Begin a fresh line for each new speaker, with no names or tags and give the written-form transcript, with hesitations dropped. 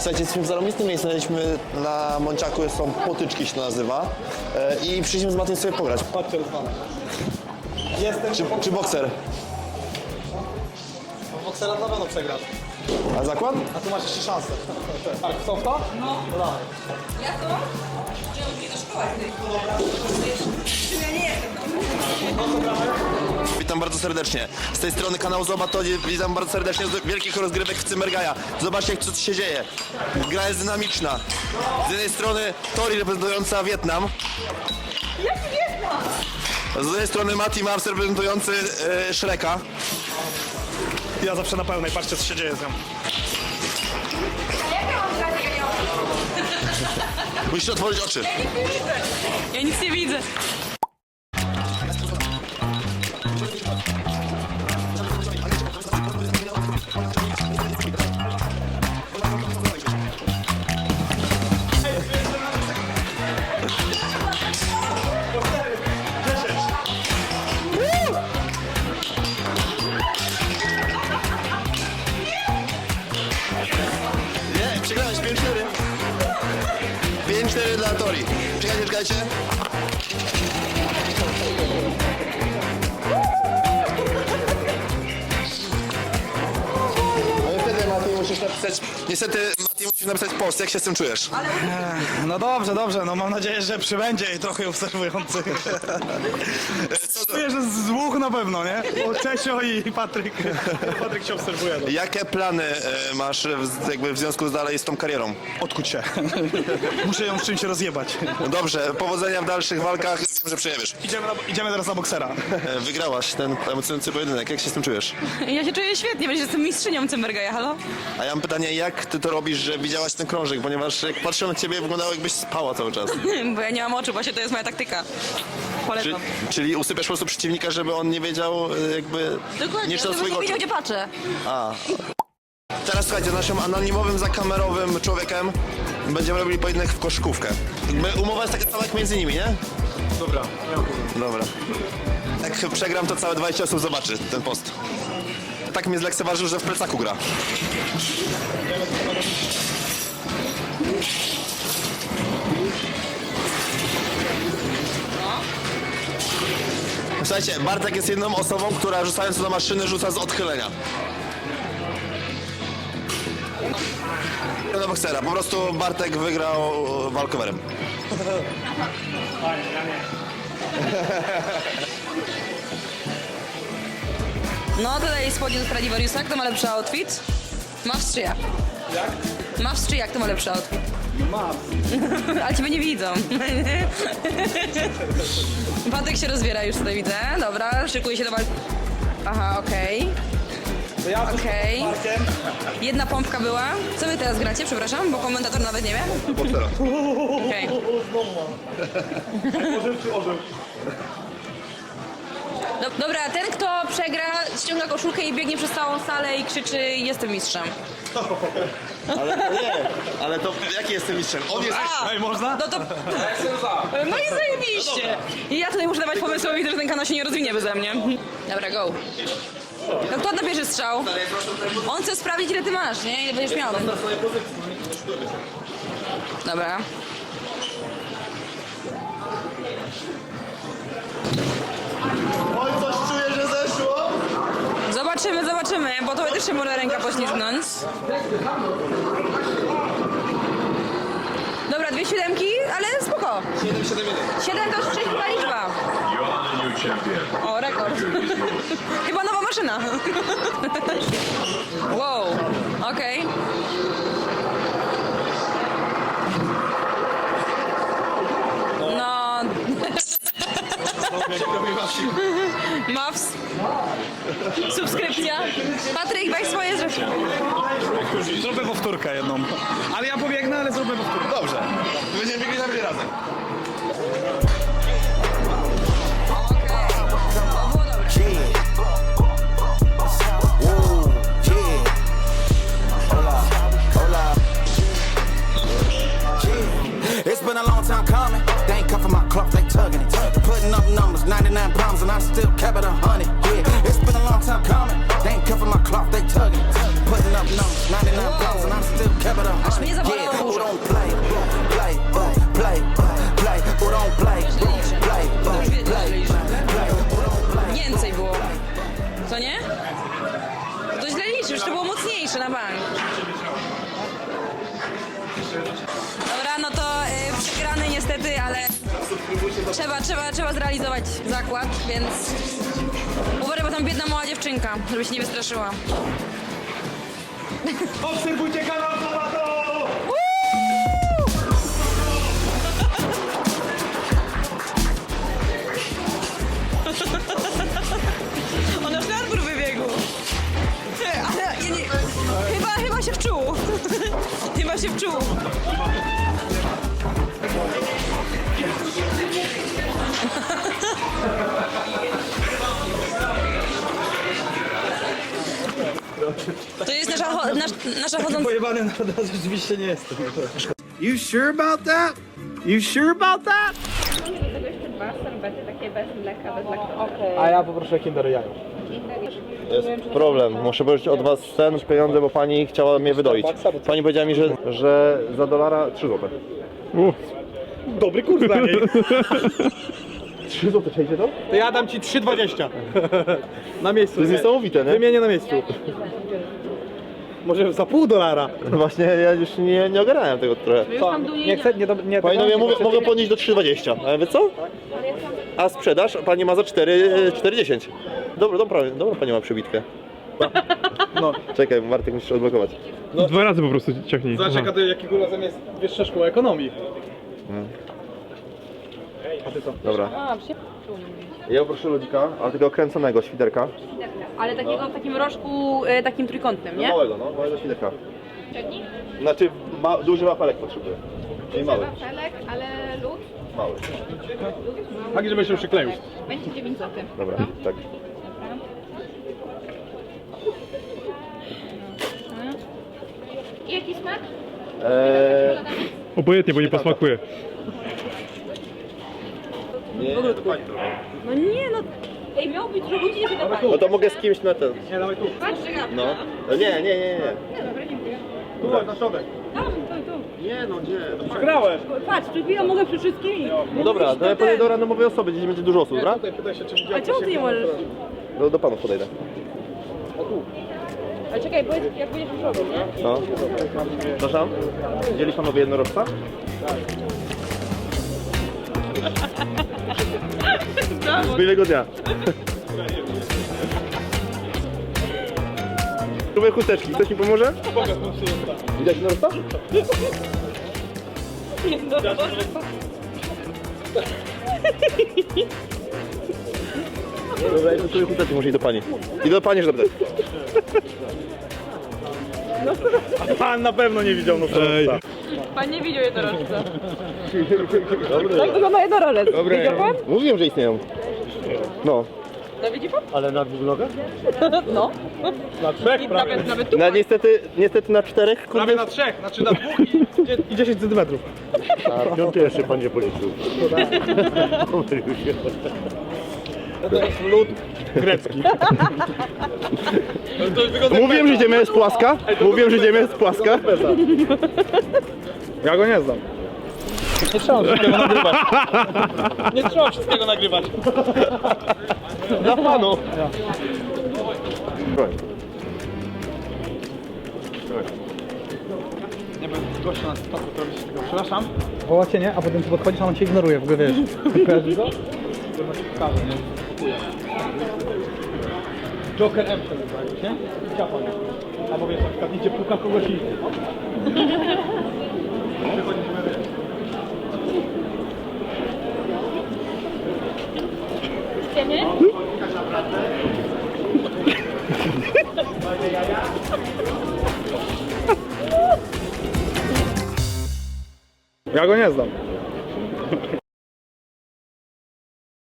Słuchajcie, jesteśmy w zarobistym miejscu, znaleźliśmy na Monciaku, są Potyczki się to nazywa. I przyszliśmy z Matiem sobie pograć.
Patrzcie, Rusman. Jestem...
Czy bokser?
Boksera na pewno przegrasz.
A zakład?
A tu masz jeszcze szansę. Tak, chcą w to? No. Dawaj.
Ja to? Że ja muszę do szkoły. Czym ja nie jestem?
Witam bardzo serdecznie. Z tej strony kanał Zobatodzie, witam bardzo serdecznie z wielkich rozgrywek w Cymbergaja. Zobaczcie, co tu się dzieje. Gra jest dynamiczna. Z jednej strony Tori reprezentująca Wietnam.
Jaki Wietnam?
Z drugiej strony Mati Maps reprezentujący Shreka.
Ja zawsze na pełnej, patrzcie co się dzieje z nią.
A jak ja mam grać, jak ja nie mam?
Musisz otworzyć oczy.
Ja nic nie widzę.
Nie, przegrałeś 5-4. 5-4 dla Tori. Czekajcie. No niestety, Mati, musisz napisać... Niestety, Mati, musisz napisać post. Jak się z tym czujesz?
No dobrze, no mam nadzieję, że przybędzie i trochę obserwujących. Czuję, że z dwóch na pewno, nie? Bo Czesio i Patryk. Patryk się obserwuje.
Jakie plany masz jakby w związku dalej z tą karierą?
Odkuć się. Muszę ją z czymś rozjebać.
No dobrze, powodzenia w dalszych walkach. Wiem, że przejebiesz.
Idziemy teraz na boksera.
Wygrałaś ten emocjonujący pojedynek. Jak się z tym czujesz?
Ja się czuję świetnie, bo jestem mistrzynią Cymbergaja, halo?
A ja mam pytanie, jak ty to robisz, że widziałaś ten krążek? Ponieważ jak patrzyłem na ciebie, wyglądało jakbyś spała cały czas.
Bo ja nie mam oczu, właśnie to jest moja taktyka. Polecam.
Czyli usypiasz po prostu przeciwnika, żeby on nie wiedział jakby...
Dokładnie,
nie czytał
żeby
swojego
nie wiedział,
oczu.
gdzie patrzę.
Teraz słuchajcie, naszym anonimowym, zakamerowym człowiekiem będziemy robili pojedynek w koszykówkę. Umowa jest taka sama jak między nimi, nie?
Dobra.
Dobra. Jak przegram, to całe 20 osób zobaczy ten post. Tak mnie zlekceważył, że w plecaku gra. Słuchajcie, Bartek jest jedną osobą, która rzucając do maszyny rzuca z odchylenia. Do boksera. Po prostu Bartek wygrał walkowerem.
Fajnie, ja nie.
No tutaj spodnie do Stradivariusa, kto ma lepszy outfit? Masz czy ja?
Jak?
Masz czy jak, kto ma lepszy outfit?
Mam.
Ale ciebie nie widzą. Patryk się rozbiera już tutaj, widzę. Dobra, szykuje się do walki. Aha, okej.
To ja
Okej.
z Markiem.
Jedna pompka była. Co wy teraz gracie? Przepraszam, bo komentator nawet nie wie.
Boksera.
Okej.
Orzeł czy orzeł?
Dobra, ten kto przegra, ściąga koszulkę i biegnie przez całą salę i krzyczy jestem mistrzem.
Ale to nie. Ale to jaki jestem mistrzem? On jest...
Ej, można?
No to... No i zajebiście. I ja tutaj muszę dawać pomysły, bo widzę, że ten kanał się nie rozwinie beze mnie. Dobra, go. No kto na pierwszy strzał? On chce sprawdzić, ile ty masz, nie? Ile będziesz miał. Dobra.
Oj, coś czuję, że zeszło.
Zobaczymy, bo to też się może ręka poślizgnąć. Dobra, 2 siódemki, ale spoko. 7 to jest szczęśliwa liczba. O, rekord. Chyba nowa maszyna. Wow, okej. No... Maps. Subskrypcja. Patryk, weź swoje zresztą.
Zrobię powtórkę jedną. Ale ja pobiegnę, ale zrobię powtórkę.
Dobrze. Będziemy biegli na razem.
It's been a long time coming. They ain't cuffing my cloth, they tugging it. Putting up numbers, 99 problems, and I still kept it 100. Yeah, it's been a long time coming. They ain't cuffing my cloth, they tugging it. Putting up numbers, 99 problems, and I still kept it 100.
bank. Dobra, no to przegrany niestety, ale trzeba zrealizować zakład, więc uważaj, bo tam biedna mała dziewczynka, żeby się nie wystraszyła.
Obserwujcie kanał Zobato!
On aż na dwór wybiegł. Ale ja nie, chyba się wczuł. Chyba się wczuł. To jest nasza chodząca...
Pojebany na raz rzeczywiście nie jestem.
You sure about that? You sure about that?
A ja poproszę Kinder jajo.
Jest problem. Muszę pożyczyć od was ten pieniądze, bo pani chciała mnie wydoić. Pani powiedziała mi, że za dolara 3 zł.
Dobry kurs dla niej.
3 zł, przejdzie to?
To ja dam ci 3,20. Na miejscu.
To jest niesamowite, nie?
Wymienię na miejscu. Może za $0,5.
Właśnie ja już nie ogarnąłem tego trochę.
Co? Nie chcę, nie.
Panie, ja mogę podnieść do 3,20. A wy co? A sprzedaż pani ma za 4,10. Dobra, pani ma przybitkę.
No.
Czekaj, Martek musisz odblokować.
2 razy po prostu ciągnij.
Zobacz, jakiego razem jest wyższa szkoła ekonomii. A ty co?
Dobra. Ja poproszę ludzika, ale tego kręconego świderka.
Ale takiego w takim rożku, takim trójkątnym, nie?
Małego, no, małego świderka. Znaczy, duży wafelek potrzebuję. Czyli mały.
Wafelek, ale lód
Mały.
Tak, żeby się przykleił.
będzie 9 zł.
Dobra, tak.
I jaki smak?
Obojętnie, bo nie posmakuje.
No nie, no... Ej, miał być, że ludzi nie się dawali.
No to mogę z kimś na ten.
Nie, dawaj tu.
Patrz,
No. Nie.
Dobra, dziękuję.
Tu, chodź na środek.
Nie no, gdzie?
Przegrałeś.
patrz, przed chwilą mogę przy wszystkimi.
No dobra, to ja podejdę do randomowej osoby, gdzieś będzie dużo osób, dobra?
Tutaj pytaj się, czy
A
widziałeś.
czemu ty nie możesz?
Do panów podejdę.
Ale czekaj, powiedz, jak będziesz już robił, nie?
No. Przepraszam? Widzieli panowie jednorożca? Z miłego dnia. Próbuję chusteczki, ktoś mi pomoże? Widać jednorożca? Dobra, ja próbuję chusteczki, może iść do pani. I do pani, że zapytać.
Pan na pewno nie widział nożowca.
Pan nie widział jednorożca. Tak wygląda jednorożec. Widział pan?
Mówiłem, że istnieją. No.
No widzi pan?
Ale na 2 nogach?
No.
Na 3 prawie.
Nawet tu.
No, niestety na 4,
Prawie na 3, znaczy na 2 i 10 cm.
A piąty jeszcze pan nie policzył.
To jest lód grecki.
Mówiłem, że ziemia jest płaska. Mówiłem, że ziemia jest płaska.
Ja go nie znam. Nie trzeba wszystkiego nagrywać. Nie trzeba wszystkiego nagrywać.
Dla panu.
Nie wiem, gościa na stopę robić tego. Przepraszam. Woła cię, nie? A potem ty podchodzisz, a on cię ignoruje, w ogóle wiesz. Kojarzysz go? To ci pokażę, nie? Joker M się nazywa, nie? Ciapa, nie? Albo wiesz, na przykład idzie puka kogoś i...
Idziemy?
Ja go nie znam.